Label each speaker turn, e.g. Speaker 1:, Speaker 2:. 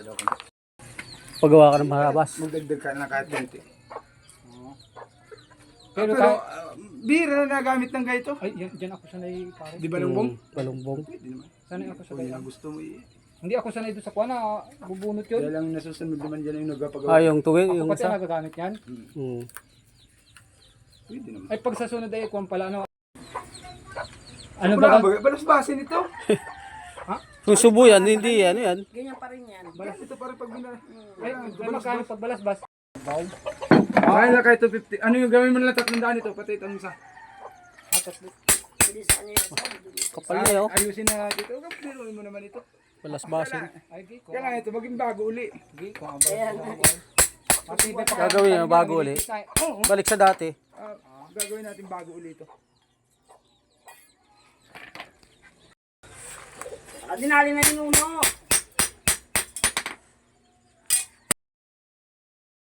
Speaker 1: Paggawa ka ng maharabas.
Speaker 2: Magdagdag ka na kahit ganito.
Speaker 3: Pero
Speaker 2: bira na nagamit ng ganito.
Speaker 3: ay, dyan ako sanay pare.
Speaker 2: Di ba lumbong?
Speaker 1: Balongbong.
Speaker 2: Pwede naman.
Speaker 3: Sanay ako
Speaker 2: Kung
Speaker 3: sanay.
Speaker 2: yun ang gusto mo
Speaker 3: Hindi ako sanay doon sa kuha na bubunot yun.
Speaker 2: Kaya lang nasusunod naman dyan yung nagpapagawa.
Speaker 1: Ah, yung tuwing,
Speaker 3: Ako
Speaker 1: yung
Speaker 3: pati
Speaker 1: isa.
Speaker 3: nagagamit yan.
Speaker 2: Pwede naman.
Speaker 3: Ay pag sa sunod ay kuha pala ano. Ano
Speaker 2: Wala
Speaker 3: ba?
Speaker 2: ba? Balas-basin ito.
Speaker 1: Kung subo yan, hindi yan, yan.
Speaker 4: Ganyan pa rin yan.
Speaker 2: Balas ito para pag bina.
Speaker 3: Ay, magkano pag balas-bas?
Speaker 2: Kaya lang kahit 250. Ano yung gawin mo na lang 300 ito? Pati itong isa.
Speaker 4: Pwede sa ano yung sabi.
Speaker 1: Kapal na yun.
Speaker 2: Ayusin na natin ito. Piruin mo naman ito.
Speaker 1: Balasbasin.
Speaker 3: Ay, di ko.
Speaker 2: Kaya lang ito, maging bago uli.
Speaker 3: Di ko.
Speaker 4: Ayan.
Speaker 1: Gagawin na bago uli. Balik sa dati.
Speaker 2: Gagawin natin bago uli ito.
Speaker 4: Dinali na yung uno.